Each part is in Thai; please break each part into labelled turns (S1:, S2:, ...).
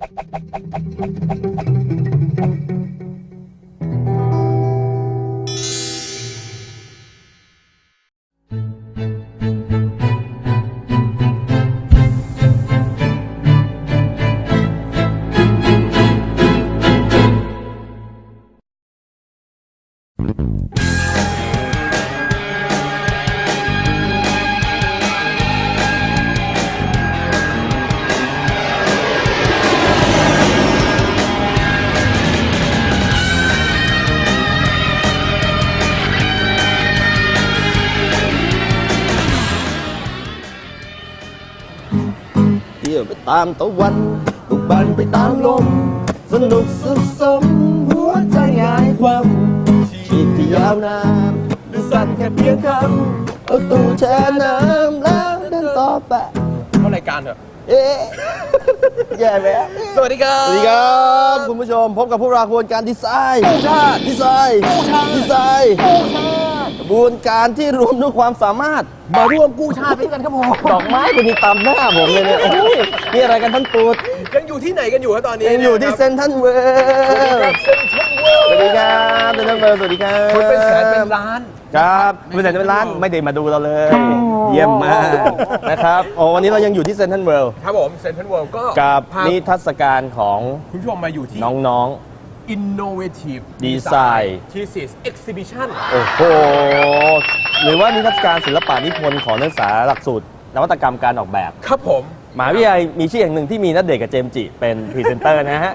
S1: เที่ยวไปตามตะวันบุกบันไปตามลมสนุกสุขสมหัวใจหายความชีวิตที่ยาวนานดูสั้นแค่เพียงคำเอาตู้แช่น้ำแล้วเดินต่อไป
S2: เข้ารายการเถอะ
S1: เอ๊ะแย่ไหม
S2: สวัสดีครับ
S1: สวัสดีครับคุณผู้ชมพบกับพวกเราขบวนการดีไซน์ดีไซน์ดีไซน์กระบวนการที่รวมด้วยความสามารถ
S2: มาร่วมกู้ชาติไปด้วยกันครับผม
S1: ดอกไม้คนนี้ตามหน้าผมเลยเนี่ยโอ้ยนี่อะไรกันท่านตูด
S2: ยังอยู่ที่ไหนกันอยู่ครับตอนนี้
S1: ยังอยู่ที่เซนทรัลเวิลด์
S2: เซ็นทรัลเวิลด์
S1: สวัสดีครับเซนทรัลเวิลด์สวัสดีครับ
S2: คนเป็นแสนเป็นล้าน
S1: ครับเป็นแสนเป็นล้านไม่ได้มาดูเราเลย เยี่ยมมากนะครับโอ้วันนี้เรายังอยู่ที่เซนทรัลเวิลด์
S2: ครับผมเซ็นทรัลเวิลด์ก็
S1: กับ
S2: พา
S1: นิทรรศการของ
S2: คุณผู้ชมมาอยู่ที่
S1: น้อง
S2: Innovative
S1: Design
S2: Thesis Exhibition
S1: ๆโอ้โหหรือว่านิทรรศการศิลปะนิพนธ์ของนักศึกษาหลักสูตรนวัตกรรมการออกแบบ
S2: ครับผม
S1: มหาวิทยาลัยมีชื่ออย่างหนึ่งที่มีณเดชน์กับเจมส์จิเป็นพรีเซนเตอร์นะฮะ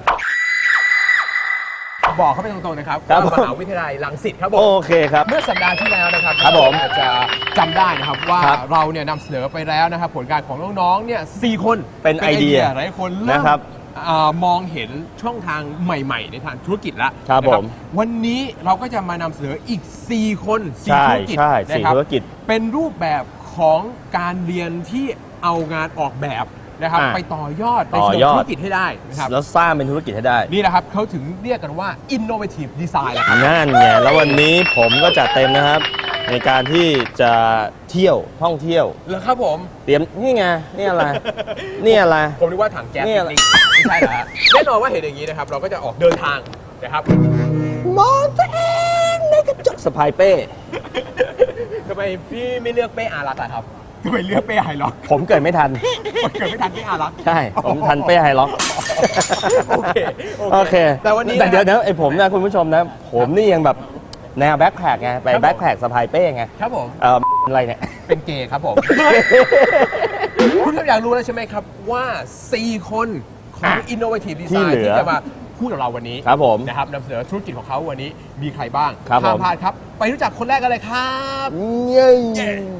S2: บอกเขาไปตรงๆนะครับ
S1: ครับ
S2: ว่ามหาวิทยาลัยรังสิตครับผม
S1: โอเคครับ
S2: เมื่อสัปดาห์ที่แล้วนะครับ
S1: ครับผม
S2: อาจจะจำได้นะครับว่า
S1: ครับ
S2: เราเนี่ยนำเสนอไปแล้วนะครับผลการของน้องๆเนี่ย4คน
S1: เป็นไอเดีย
S2: หลายคนเริ่ม
S1: นะครับ
S2: มองเห็นช่องทางใหม่ๆ ในทางธุรกิจแล้ว
S1: ครับ
S2: นะ
S1: ผม
S2: วันนี้เราก็จะมานำเสนออีก 4 คน
S1: ใช่
S2: 4 ธุรกิจ
S1: ใช่
S2: นะ
S1: สี่
S2: ครับ
S1: ธุรกิจ
S2: เป็นรูปแบบของการเรียนที่เอางานออกแบบนะครับ
S1: อ่ะ
S2: ไปต่อยอดใน
S1: ต่อ
S2: เชิง
S1: ยอด
S2: ธุรกิจให้ได้นะครับ
S1: แล้วสร้างเป็นธุรกิจให้ได้
S2: นี่แหละครับเขาถึงเรียกกันว่า innovative design แหละครับ
S1: นั่นไงแล้ววันนี้ผมก็จัดเต็มนะครับ ในการที่จะเที่ยวท่องเที่ยว
S2: แล้วครับผม
S1: เตรียมนี่ไงนี่อะไร นี่อะไร
S2: ผมนึกว่าถังแก๊ส
S1: นี่
S2: ปิ
S1: อะไร
S2: กนิกไม่ใช่เหรอฮะแน่นอนว่าเห็นอย่างนี้นะครับเราก็จะออกเดินทางนะครับ
S1: มองตัวเองในกระจกสะพายเป้
S2: ทำไมพี่ไม่เลือกเป้อารักษ์อะครับทำไมเลือกเป้ไฮล็อก
S1: ผมเกิดไม่ทัน
S2: เกิดไม่ทันเป้อารักษ์
S1: ใช่ ผมทันเป้ไฮล็อก
S2: โอเค
S1: โอเค
S2: แต่วันนี้
S1: แต่เดี๋ยวนะไอผมนะคุณผู้ชมนะ ผมนี่ยังแบบแนวแบ็คแพคไงไป
S2: ครับผม
S1: แบ็คแพคสะพายเป้ไง
S2: ครับผม
S1: อะไรเนี่ย
S2: เป็นเกย์ครับผม คุณผู้ชมอยากรู้แล้วใช่ไหมครับว่า 4 คนของ Innovative
S1: ที่
S2: Design
S1: เหลือ
S2: ที่จะมาพูดกับเราวันนี้
S1: ครับผม
S2: นะครับนำเสนอธุรกิจของเขาวันนี้มีใครบ้าง
S1: ครับ
S2: ห้าม
S1: ผม
S2: พลาดครับ ไปรู้จักคนแรกกันเลยครับ
S1: เย้
S2: เย้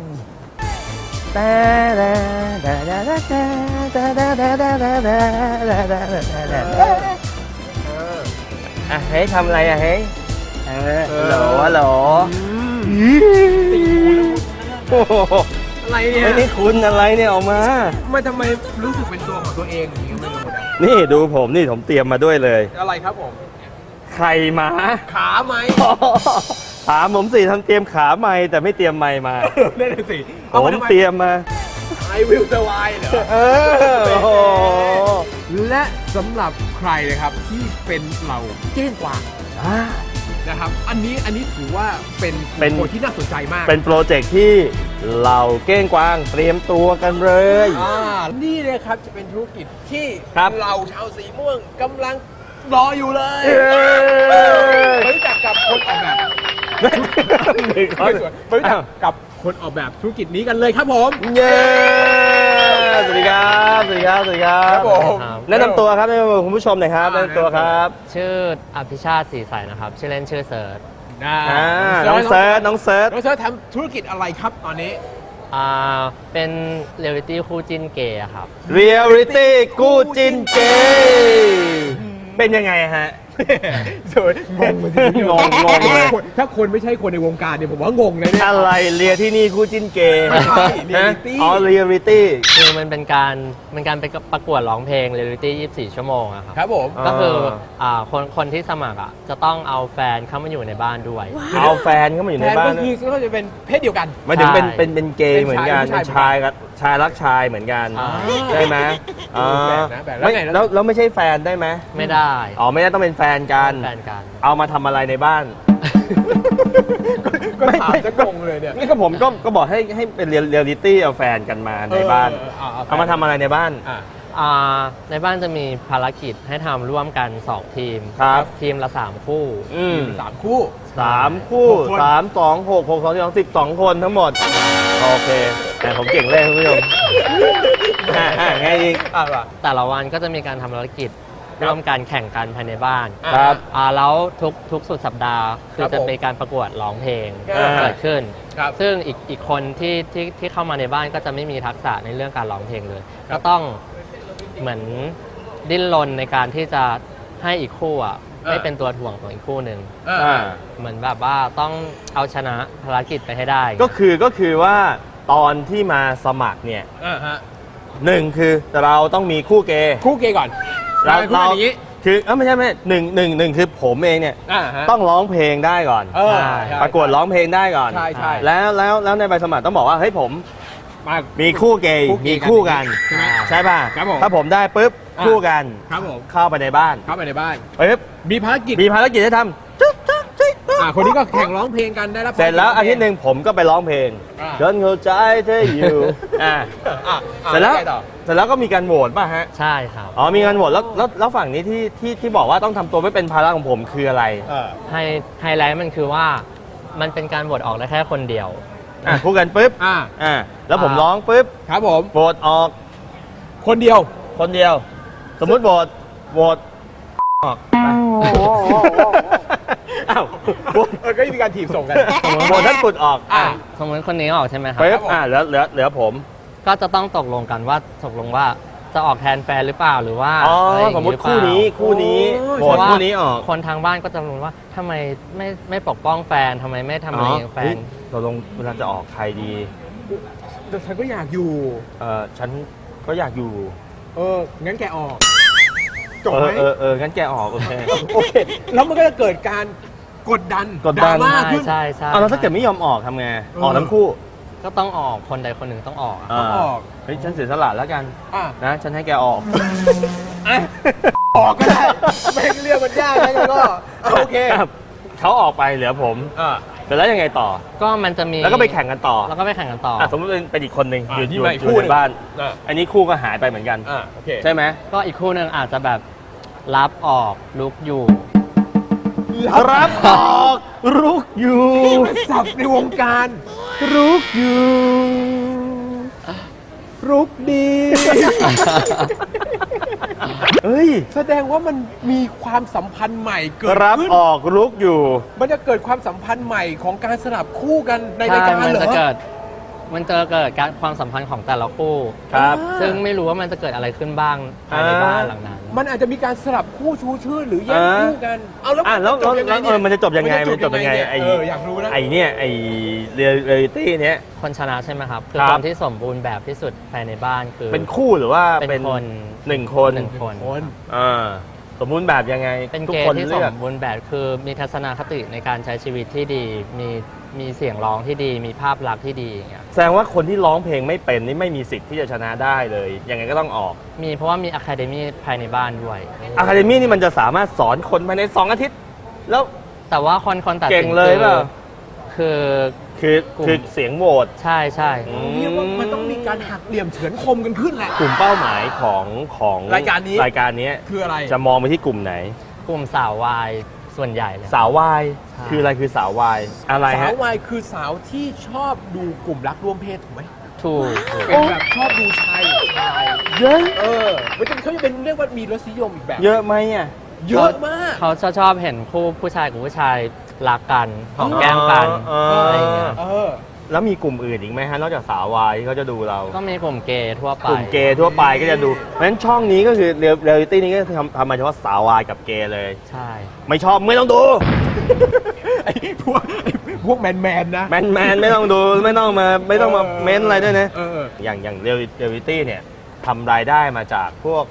S1: อ่ะเฮ้ยทำอะไรอ่ะเฮ้ยฮัลโหลโอ้โห
S2: อะไรเนี่ย
S1: ไอ้นี่คุณอะไรเนี่ยออกมา
S2: ทำไมรู้สึกเป็นตัวของตัวเองอย่างนี้ก็ไม่รู้นะ
S1: นี่ดูผมนี่ผมเตรียมมาด้วยเลย
S2: อะไรครับผม
S1: ไข่หมา
S2: ขาไหม
S1: ถามผมสิทำเตรียมขาไม้แต่ไม่เตรียมไม้มา
S2: นั่นน่ะสิ
S1: ผมเตรียมมา
S2: I will survive เหรอ
S1: เออโอ้โห
S2: และสำหรับใครนะครับที่เป็นเหล่าเก้งกวางนะครับ อันนี้ถือว่าเป็นคนที่น่าสนใจมาก
S1: เป็นโปรเจกต์ที่เราเก้งกวางเตรียมตัวกันเลย
S2: นี่เลยครับจะเป็นธุรกิจที่
S1: ครับ
S2: เราชาวสีม่วงกำลังรออยู่เลย
S1: เย้
S2: ไปรู้จักกับคนออกแบบไม่สวยไปรู้จักกับคนออกแบบธุรกิจนี้กันเลยครับผม
S1: เย้สวัสดีครับสวัสดีครับสวัสดีครั
S2: ครับ บผม
S1: แนะนำตัวครับแนะนำตัวคุณผู้ชมหน่อยครับแนะนำตัวครับ
S3: ชื่ออภิชาติศรีใสนะครับ ชื่อเล่นชื่อเซิร์ช
S1: น้องเซิร์ชน้องเซิร์ช
S2: น้องเซิร์ชทำธุรกิจอะไรครับตอนนี้
S3: เป็นเรียลลิตี้คู่จิ้นเกย์อะครับ
S1: เรียลลิตี้กู้จินเกย์เป็นยังไงฮะ
S2: สวยงงเลย
S1: งงเลย
S2: ถ้าคนไม่ใช่คนในวงการเนี่ยผมว่างงเลยเนี่ย
S1: อะไรเรียที่นี่คู่จินเกย์
S2: ไม่ใช่ reality
S1: อ๋อเรียลลิตี้
S3: คือมันเป็นการไปประกวดร้องเพลงเรียลลิตี้ 24 ชั่วโมงอะครับ
S2: ครับผม
S3: ก็คือคนที่สมัครอะจะต้องเอาแฟนเข้ามาอยู่ในบ้านด้วย
S1: เอาแฟนเข้ามาอยู่ในบ้าน
S2: แฟก็คือเขาจะเป็นเพศเดียวกัน
S1: หมายถึงเป็น
S3: ใช่
S1: เป็นเกย์เหมือนกัน
S2: เป็
S1: เป็น น
S2: ชา
S1: ชาย ย
S2: เหมือนกั
S1: กัน นชายรักชายเหมือนกัน
S3: อ่า
S1: ได้ไหม
S2: แปลกนะแปลกแล้ว
S1: ไม่
S2: ไง
S1: แล้วไม่ใช่แฟนได้ไหม
S3: ไม่ได้
S1: อ๋อไม่ได้ต้องเป็นแฟนกัน
S3: แฟนกัน
S1: เอามาทำอะไรในบ้าน
S2: ก็ถามจะงงเลยเนี่ย
S1: นี่ก็ผมก็บอกให้เป็นเรียลลิตี้เอาแฟนกันมาในบ้าน เอามาทำอะไรในบ้าน
S3: ในบ้านจะมีภารกิจให้ทำร่วมกัน 2 ทีม
S1: ครับ
S3: ทีมละ 3 คู่
S1: อืม
S2: 3 คู่
S1: 3 คู่
S2: 6 คน
S1: 3 2 6 6 2 2 12 คนทั้งหมด โอเคแต่ผมเก่งเลขคุณผู้ชมไงอีก
S2: ว่ะ
S3: แต่ละวันก็จะมีการทำภารกิจ
S2: ครับ
S3: ร่วมกันแข่งกันภายในบ้าน
S1: ครับ
S3: แล้วทุกสุดสัปดาห์คื
S2: ครั
S3: อบ จะ
S2: ผม
S3: มีการประกวดร้องเพลง
S2: อ่า
S3: เกิดขึ้น
S2: ครับ
S3: ซึ่งอีกคนที่เข้ามาในบ้านก็จะไม่มีทักษะในเรื่องการร้องเพลงเลย ก็ต้องเหมือนดิ้นรนในการที่จะให้อีกคู่ไม่เป็นตัวถ่วงของอีกคู่หนึ่ง
S1: อ่า
S3: เหมือนแบบว่าต้องเอาชนะภารกิจไปให้ได้
S1: ก็คือว่าตอนที่มาสมัครเนี่ย
S2: ฮะ
S1: หนึ่งคือเราต้องมีคู่เกย์
S2: คู่เกย์ก่อน
S1: เรา
S2: คู่อย่างนี้
S1: คือไม่ใช่หนึ่งคือผมเองเนี่ย
S2: ฮะ
S1: ต้องร้องเพลงได้ก่อน
S2: เออ
S3: ใช่
S2: ใช่
S1: ประกวดร้องเพลงได้ก่อน
S2: ใช่ใช่
S1: แล้วในใบสมัครต้องบอกว่าเฮ้ยผม
S2: มา
S1: มีคู่เกย์
S2: คู่เกย์
S1: มีคู่กัน
S2: ใช่ไหม
S1: ใช่ป่ะ
S2: ครับผม
S1: ถ้าผมได้ปุ๊บ
S2: อ่ะ
S1: คู่กัน
S2: ครับผม
S1: เข้าไปในบ้าน
S2: เข้าไปในบ้าน
S1: ปุ๊บ
S2: มีภารกิจ
S1: มีภารกิจให้ทำจุ๊บจุ๊บจุ๊บจุ๊บ
S2: คนนี้ก็แข่งร้องเพลงกันได้รับ
S1: เสร็จแล้วอาทิตย์หนึ่งผมก็ไปร้องเพลง
S2: อ่า
S1: จนเข้าใจเธออยู่อ่า เสร็จแล้ว
S2: ไงต่อ
S1: เสร็จแล้วก็มีการโหวตป่ะฮะ
S3: ใช่ครับ
S1: อ๋อมีการโหวตแล้วฝั่งนี้ที่บอกว่าต้องทำตัวไม่เป็นภาระของผมคืออะไร
S3: ไฮไลท์มันคือว่ามันเป็นการโหวตออกได้แค่คนเดียว
S1: คู่กันปุ๊บ แล้วผมร้องปุ๊บ
S2: ครับผม
S1: โหวตออก
S2: คนเดียว
S1: คนเดียว สมมุติโหวตออกอ้าวโหวต
S2: ก็มีการถีบส่งกัน
S1: โหวตท่านปุดออก
S3: สมมติคนนี้ออกใช่ไหมครับ
S1: ปุ๊บ
S2: ครับผม
S1: เหลือผม
S3: ก็จะต้องตกลงกันว่าตกลงว่าจะออกแทนแฟนหรือเปล่าหรือว่า
S1: อ๋อ
S3: อะไรอย่าง
S1: สมมติ
S3: หรือเปล่า
S1: คู่นี้
S2: โอ้ย
S1: โหวตคู่นี้ออก
S3: คนทางบ้านก็จะรู้ว่าทำไมไม่ปกป้องแฟนทำไมไม่ทำอะไรอย่างแฟน
S1: เราลงเวลาจะออกใครดี
S2: แต่ฉันก็อยากอยู่
S1: ฉันก็อยากอยู่
S2: งั้นแกออก จบไหม
S1: งั้นแกออกโอเค
S2: โอเค แล้วมันก็จะเกิดการกดดัน
S1: กดดัน
S2: ราม่า
S3: ใช่
S2: ขึ้น
S3: ใช่ใช่
S1: เอาแล้วถ้าเกิดไม่ยอมออกทำไง ออกทั้งคู่
S3: ก็ต้องออกคนใดคนหนึ่งต้องออกอะ
S2: ต้องออก
S1: เฮ้ยฉันเสียสละแล้วกัน
S2: อ่ะ
S1: นะ ฉันให้แกออก
S2: ออกก็ได้แม่งเรื่องมันยากนะก็โอเค
S1: ครับเขาออกไปเหลือผม
S2: อ่ะ
S1: เสร็จแล้วยังไงต่อ
S3: ก็มันจะมี
S1: แล้วก็ไปแข่งกันต่อ
S3: แล้วก็ไปแข่งกันต่อ
S1: สมมติเป็นอีกคนหนึ่ง
S2: อ่ะ
S1: อยู่
S2: นี่
S1: อยู่
S2: มาอีก
S1: อยู่
S2: คู่ห
S1: ใน
S2: นึ่ง
S1: บ้าน
S2: อ่ะ
S1: อันนี้คู่ก็หายไปเหมือนกัน
S2: โอเค
S1: ใช่ไหม
S3: ก็อีกคู่หนึ่งอาจจะแบบรับออกลุกอยู่
S1: รับออกรุกอยู่
S2: สับในวงการ
S1: รุกอยู่
S2: รุกดี
S1: เฮ้ย
S2: แสดงว่ามันมีความสัมพันธ์ใหม่เกิด
S1: รับ
S2: ขึ้น
S1: ออกรุกอยู่
S2: มันจะเกิดความสัมพันธ์ใหม่ของการสลับคู่กันใน
S3: ใช่
S2: รายการ
S3: มัน
S2: เหร
S3: จะ
S2: อ
S3: เกิดการความสัมพันธ์ของแต่ละคู่
S1: ครับ
S3: ซึ่งไม่รู้ว่ามันจะเกิดอะไรขึ้นบ้างภายในบ้านหลังนั้น
S2: มันอาจจะมีการสลับคู่ชูชื่อหรือแย่งคู่กัน เอาแล้ว
S1: แล้ว
S2: มันจะจบยังไงเนี่ย
S1: มันจะจบยังไง มันจะจบยังไง
S2: เนี่ย
S1: ไอ้
S2: อยากรู้นะ
S1: ไอ้เนี่ยไอ้เรียลิตี้เนี้ย
S3: คนชนะใช่ไหมครับ คือ
S1: ครับ
S3: คนที่สมบูรณ์แบบที่สุดภายในบ้านคือ
S1: เป็นคู่หรือว่า
S3: เป็นคน
S1: หนึ่งคน
S3: หนึ่งคน
S2: คน
S1: อ่าสมบูรณ์แบบยังไง
S3: เป็น
S1: ทุก
S3: เก
S1: คน
S3: ย์ที่ส
S1: เลือก
S3: มบูรณ์แบบคือมีทัศนคติในการใช้ชีวิตที่ดี มีเสียงร้องที่ดี มีภาพลักษณ์ที่ดีอย่างเงี้ย
S1: แสดงว่าคนที่ร้องเพลงไม่เป็นนี่ไม่มีสิทธิ์ที่จะชนะได้เลย ยังไงก็ต้องออก
S3: มีเพราะว่ามีอะคาเดมี่ภายในบ้านด้วย
S1: อะคาเดมี่นี่มันจะสามารถสอนคนภายใน2 อาทิตย์ แล้ว
S3: แต่ว่าคนตัด
S1: เก่
S3: สิ
S1: ง
S3: น
S1: เลยเปล่า
S3: คือ
S1: คือเสียงโหวต
S3: ใช่ใช่
S2: เรียกว่ามันต้องมีการหักเหลี่ยมเฉือนคมกันขึ้นแหละ
S1: กลุ่มเป้าหมายของ
S2: รายการนี้
S1: รายการนี้
S2: คืออะไร
S1: จะมองไปที่กลุ่มไหน
S3: กลุ่มสาววายส่วนใหญ่เลย
S1: สาววาย
S3: ใช่
S1: คืออะไรคือสาววายอะไร
S2: สา
S1: ฮะ
S2: ววายคือสาวที่ชอบดูกลุ่มรักร่วมเพศถูกไหม
S3: ถูก
S2: เป็นแบบชอบดูชายหรือชาย
S1: เยอะ
S2: มันจะเขาจะเป็นเรียกว่ามีรสนิยมอีกแบบ
S1: เยอะไหมอ่ะ
S2: เยอะมาก
S3: เขาชอบเห็นคู่ผู้ชายกับผู้ชายรักกันหอมแก้มกัน
S1: อ๋อ
S3: อะไรอย่างเงี้ย
S1: แล้วมีกลุ่มอื่นอีกไหมฮะ นอกจากสาววายที่เขาจะดูเรา
S3: ก็มีกลุ่มเกย์ทั่วไป
S1: กลุ่มเกย์ทั่วไปก็จะดู เพราะฉะนั้นช่องนี้ก็คือเรียลิตี้นี้ก็ทำมาเฉพาะสาววายกับเกย์เลย
S3: ใช่
S1: ไม่ชอบไม่ต้องดู
S2: ไอ้พวกแมนนะ
S1: แมนไม่ต้องดูไม่ต้องมาเม้นอะไรด้วยนะ
S2: เออ
S1: อย่างเรียลิตี้เนี่ยทำรายได้มาจากพวก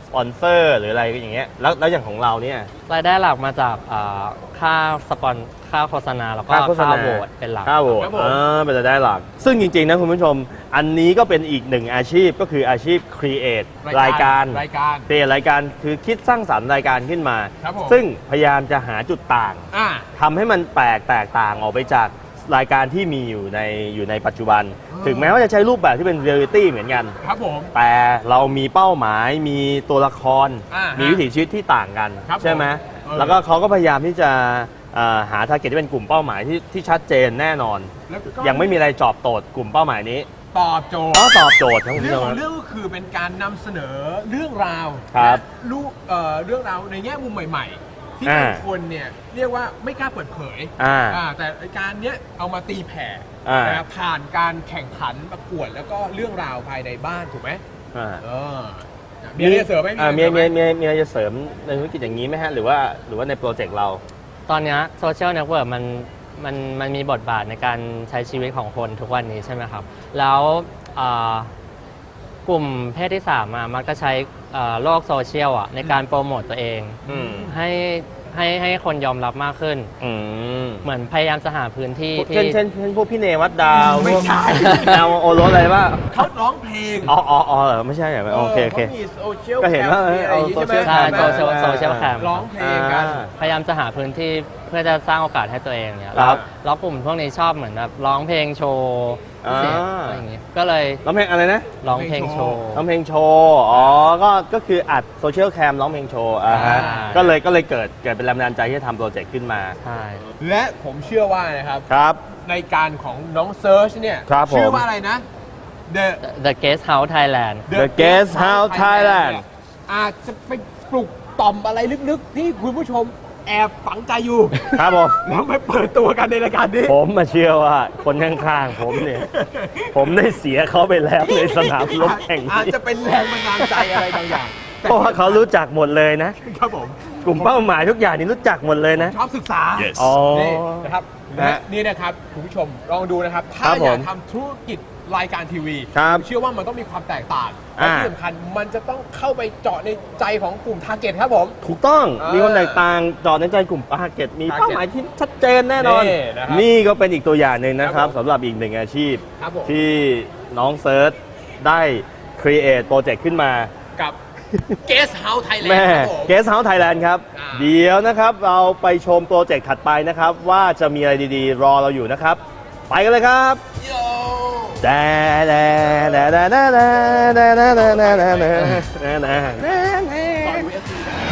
S1: ปอนเซอร์หรืออะไรอย่างเงี้ยแล้วอย่างของเราเนี่ย
S3: รายได้หลักมาจากค่าสปอนค่าโฆษณาแล้วก็
S1: ค่าโฆษณา
S3: ค่าโหวตเป็นหลัก
S1: ค่าโหวต
S2: ครับผม
S1: เป็นรายได้หลัก ซึ่งจริงๆนะคุณผู้ชม อันนี้ก็เป็นอีกหนึ่งอาชีพก็คืออาชีพ create รายการ create รายการคือคิดสร้างสรรค์รายการขึ้นมา
S2: ครับผม
S1: ซึ่งพยายามจะหาจุดต่าง
S2: อ่า
S1: ทำให้มันแตกต่างออกไปจากรายการที่มีอยู่ในปัจจุบัน ถึงแม้ว่าจะใช้รูปแบบที่เป็นเรียลลิตี้เหมือนกัน
S2: ครับผม
S1: แต่เรามีเป้าหมายมีตัวละคร
S2: อ่าฮะ
S1: มีวิถีชีวิตที่ต่างกัน
S2: ครับผม
S1: ใช่ไหม แล้วก็เขาก็พยายามที่จะหาทาร์เก็ตที่เป็นกลุ่มเป้าหมายที่ชัดเจนแน่นอน
S2: แล้วก็
S1: ยังไม่มีอะไรจอบโจทย์กลุ่มเป้าหมายนี้
S2: ตอบโจทย์
S1: ก็ตอบโจทย์ครับคุณ
S2: เรื่
S1: ผู้
S2: อ
S1: ช
S2: ง
S1: ม
S2: ของเรื่องก็คือเป็นการนำเสนอเรื่องราว
S1: ครับ
S2: และเรื่องราวในแง่มุมใหม่ ๆ ที่
S1: อ่า
S2: บางคนเนี่ยเรียกว่าไม่กล้าเปิดเผย แต่รายการเนี้ยเอามาตีแผ่
S1: อ่าน
S2: นะครับผ่านการแข่งขันประกวดแล้วก็เรื่องราวภายในบ้านถูกไหม
S1: อ่า
S2: มีอะไรจะเสริมไหม
S1: มี
S2: อะไรจะเสริมไหม
S1: มีอะไรจะเสริมในธุรกิจอย่างนี้ไหมฮะหรือว่าในโปรเจกต์เรา
S3: ตอนเนี้โซเชียลเน็ตเวิร์กมันมีบทบาทในการใช้ชีวิตของคนทุกวันนี้ใช่ไหมครับ แล้วกลุ่มเพศที่3มักจะใช้โลกโซเชียลในการโปรโมตตัวเอง
S1: อืม
S3: ให้คนยอมรับมากขึ้น
S1: อืม
S3: เหมือนพยายามจะหาพื้นที่
S1: เช่น
S3: ที่
S1: เช่นพวกพี่เนวัดดาว
S2: ไม่ใช่
S1: ดาวโอรสอะไรว่า
S2: เขาร้องเพลง
S1: อ๋อเหรอไม่ใช่เหรอโอเคโอเค
S2: เขามีโซเชียล
S1: ก็เห็นว่า
S2: อะไรอย่างงี้
S1: เอา
S2: ใช่ไหม
S3: ใช่
S1: social
S3: โซเชียลแคม
S2: ร้องเพลงกัน
S3: พยายามจะหาพื้นที่เพื่อจะสร้างโอกาสให้ตัวเองเนี่ย
S1: ครับ
S3: แล้วกลุ่มพวกนี้ชอบเหมือนแบบร้องเพลงโชว์
S1: อ่า
S3: เสียงอะไรอย่างงี้ก็เลย
S1: ร้องเพลงอะไรนะ
S3: ร้องเพลงโชว์
S1: ร้องเพลงโชว์ ก็คืออัดโซเชียลแคมร้องเพลงโชว์ฮะ
S3: ใช่
S1: ก็เลยเกิดเป็นแรงบันดาลใจที่จะทำโปรเจกต์ขึ้นมา
S3: ใช่
S2: และผมเชื่อว่านะครับ
S1: ครับ
S2: ในการของน้องเซิร์ชเนี่ย
S1: ครับผม
S2: ชื่อว่าอะไรนะ The
S3: The Guest House Thailand
S1: The Guest House Thailand
S2: เนี่ยอาจจะไปปลุกต่อมอะไรลึกๆ ที่คุณผู้ชมแอบฝังใจอยู่
S1: ครับผม
S2: แล้วไปเปิดตัวกันในรายการนี้
S1: ผมมาเชื่อว่าคนข้างๆผมเนี่ย ผมได้เสียเขาไปแล้วในสนามรบแห่ง
S2: อาจ
S1: นี้
S2: จะเป็นแรงบันดาลใจอะไรบางอย่าง
S1: เพราะว่าเขารู้จักหมดเลยนะ
S2: ครับผม
S1: กลุ่มเป้าหมายทุกอย่างนี่รู้จักหมดเลยนะ
S2: ชอบศึกษา
S1: อ๋อ
S2: นี่นะครับ
S1: นะ
S2: และนี่นะครับคุณผู้ชมลองดูนะครับ ถ้า
S1: ครับ
S2: อยาก
S1: ผม
S2: ทำธุรกิจรายการทีวี
S1: ครับ
S2: ผมเชื่อว่ามันต้องมีความแตกต่างและ
S1: อ่า
S2: ที่สำคัญมันจะต้องเข้าไปเจาะในใจของกลุ่มทาร์เก็ตครับผม
S1: ถูกต้อง
S2: เออ
S1: มีคนแตกต่างจอดในใจกลุ่ม target มี
S2: target
S1: เป้าหมายที่ชัดเจนแน่นอน
S2: นี่นะครับ
S1: นี่ก็เป็นอีกตัวอย่างหนึ่งนะครับ
S2: ครับผม
S1: สำหรับอีกหนึ่งอาชีพ
S2: ครับผม
S1: ที่น้องเซิร์ชได้ create โปรเจกต์ขึ้นมา
S2: กับ Guest House Thailand
S1: แม่
S2: ครับผม
S1: Guest House Thailand ครับ
S2: อ่า
S1: เดี๋ยวนะครับเราไปชมโปรเจกต์ถัดไปนะครับ ว่าจะมีอะไรดีๆ รอเราอยู่นะครับ ไปกันเลยครับ
S2: โย
S1: แดแดแดแดแดแดแดแดแดแดแดแดแดแด
S2: ต่อย UFC ได้